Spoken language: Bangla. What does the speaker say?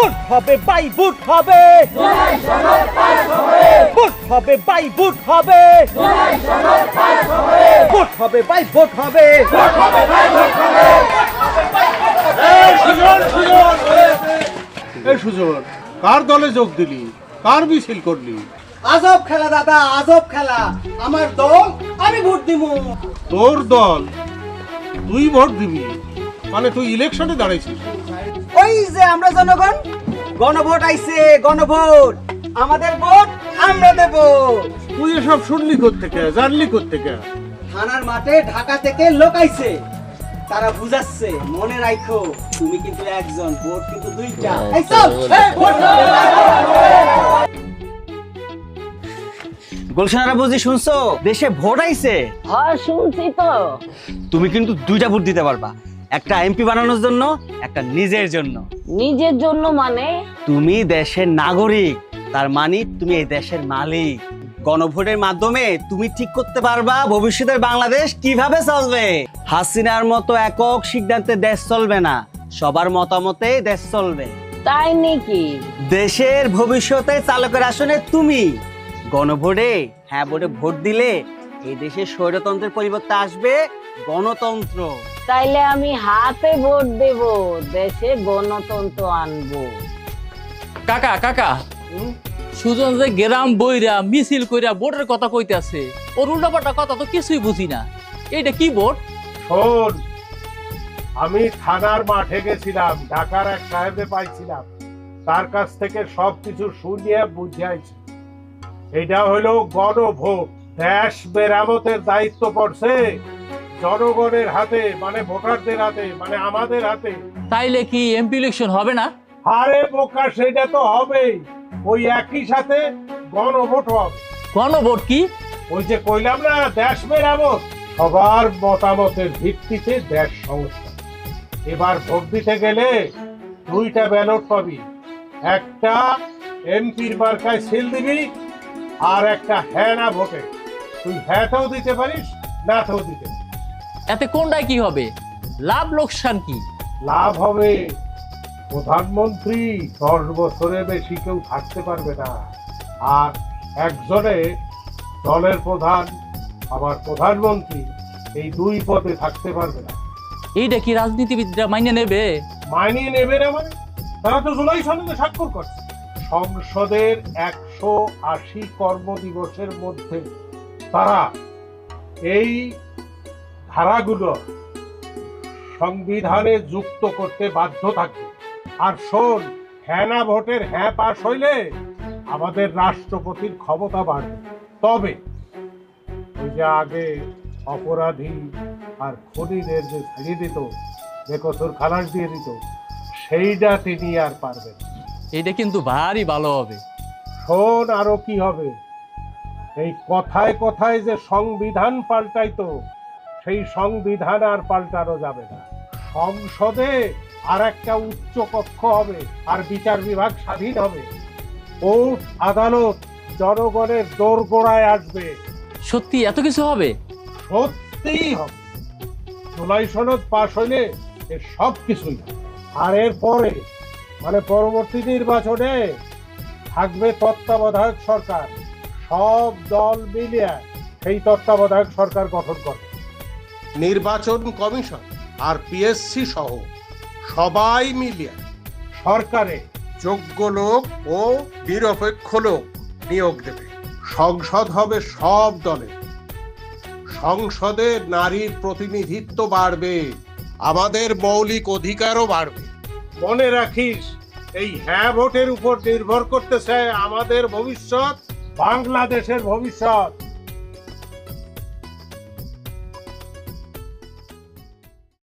বুট হবে বাই বুট হবে, বুট হবে বাই বুট হবে, বুট হবে বাই বুট হবে। এই সুজন, কার দলে যোগ দিলি, কার মিছিল করলি? আজব খেলা দাদা, আজব খেলা। আমার দল, আমি ভোট দিব। তোর দল, তুই ভোট দিবি? মানে তুই ইলেকশনে দাঁড়াইছিস? ওই যে আমরা জনগণ, গণভোট আইছে, গণভোট। আমাদের ভোট আমরা দেব। তুই এসব শুনলি কোত্থেকে, জানলি কোত্থেকে? থানার মাঠে ঢাকা থেকে লোক আইছে, তারা বুঝাচ্ছে। মনে রাখো, তুমি কিন্তু একজন, ভোট কিন্তু দুইটা। এই চল, এই ভোট। গুলশানারা বুঝি শুনছো, দেশে ভোট আইছে? হ্যাঁ শুনছি তো। তুমি কিন্তু দুইটা ভোট দিতে পারবা, একটা এমপি বানানোর জন্য, একটা নিজের জন্য। নিজের জন্য মানে? তুমি দেশের নাগরিক, তার মানে তুমি এই দেশের মালিক। গণভোটের মাধ্যমে তুমি ঠিক করতে পারবা ভবিষ্যতের বাংলাদেশ কিভাবে চলবে। হাসিনার মতো একক সিদ্ধান্তে দেশ চলবে না, সবার মতামতে দেশ চলবে। তাই নাকি? দেশের ভবিষ্যতে চালকের আসনে তুমি। গণভোটে হ্যাঁ ভোটে ভোট দিলে এই দেশে স্বৈরতন্ত্রের পরিবর্তে আসবে গণতন্ত্র। তাইলে আমি হাতে ভোট দেব, দেশে গণতন্ত্র আনবো। কাকা কাকা, সুজন যে গ্রাম বইরা মিছিল কইরা ভোটের কথা কইতাছে, ওর উল্টাপাল্টা কথা তো কিছুই বুঝি না। এইটা কি ভোট? শোন, আমি থানার মাঠে গেছিলাম, ঢাকার এক সাহেবে পাইছিলাম, তার কাছ থেকে সবকিছু শুনিয়ে বুঝাইছি। এটা হলো গণভোট। দেশ মেরামতের দায়িত্ব পড়ছে জনগণের হাতে, মানে ভোটারদের হাতে, মানে আমাদের হাতে। তাইলে কি এমপি ইলেকশন হবে না? আরে বোকা, সেটা তো হবেই। ওই একই সাথে গণভোট হবে। গণভোট কি? ওই যে কইলাম না, দেশ মেরামত। সবার মতামতের ভিত্তিতে দেশ সংস্কার। এবার ভোট দিতে গেলে দুইটা ব্যালট পাবি, একটা এমপির মার্কায় সিল দিবি, আর একটা হ্যাঁ না ভোটে। তুই হ্যাঁতেও দিতে পারিস, নাতেও দিতে পারিস। এতে কোনটাই কি হবে? লাভ লোকসান কি? লাভ হবে, প্রধানমন্ত্রী 10 বছরের বেশি কেউ থাকতে পারবে না। আর একজনে দলের প্রধান আবার প্রধানমন্ত্রী, এই দুই পদে থাকতে পারবে না। এইটা কি রাজনীতিবিদরা মাইনে নেবে? মাইনে নেবে না মানে? তারা তো জুলাই সনদে স্বাক্ষর করছে। সংসদের 180 কর্মদিবসের মধ্যে তারা এই ধারাগুলো সংবিধানে যুক্ত করতে বাধ্য থাকবে। আর শোন, হ্যাঁ না ভোটের হ্যাঁ পাশ হইলে আমাদের রাষ্ট্রপতির ক্ষমতা বাড়বে। তবে ওই যে আগে অপরাধী আর খুনিদের যে ছাড়িয়ে দিত, বেকসুর খালাস দিয়ে দিত, সেইটা তিনি আর পারবেন। এইটা কিন্তু ভারী ভালো হবে। শোন, আরো কি হবে, এই কথায় কথায় যে সংবিধান পাল্টাইতো, সেই সংবিধান আর পাল্টানো যাবে না। সংসদে আর একটা উচ্চ কক্ষ হবে, আর বিচার বিভাগ স্বাধীন হবে। কোর্ট আদালত জনগণের দোরগোড়ায় আসবে। সত্যি এত কিছু হবে? সত্যিই হবে। জুলাই সনদ পাশ হইলে এর সব কিছুই হবে। আর এর পরে, মানে পরবর্তী নির্বাচনে থাকবে তত্ত্বাবধায়ক সরকার। সব দল মিলিয়ে সেই তত্ত্বাবধায়ক সরকার গঠন করবে। নির্বাচন কমিশন আর পিএসসি সহ সবাই মিলিয়ে সরকারে যোগ্য লোক ও নিরপেক্ষ লোক নিয়োগ দেবে। সংসদ হবে সব দলের। সংসদে নারীর প্রতিনিধিত্ব বাড়বে, আমাদের মৌলিক অধিকারও বাড়বে। মনে রাখিস, এই হ্যাঁ ভোটের উপর নির্ভর করতেছে আমাদের ভবিষ্যৎ, বাংলাদেশের ভবিষ্যৎ।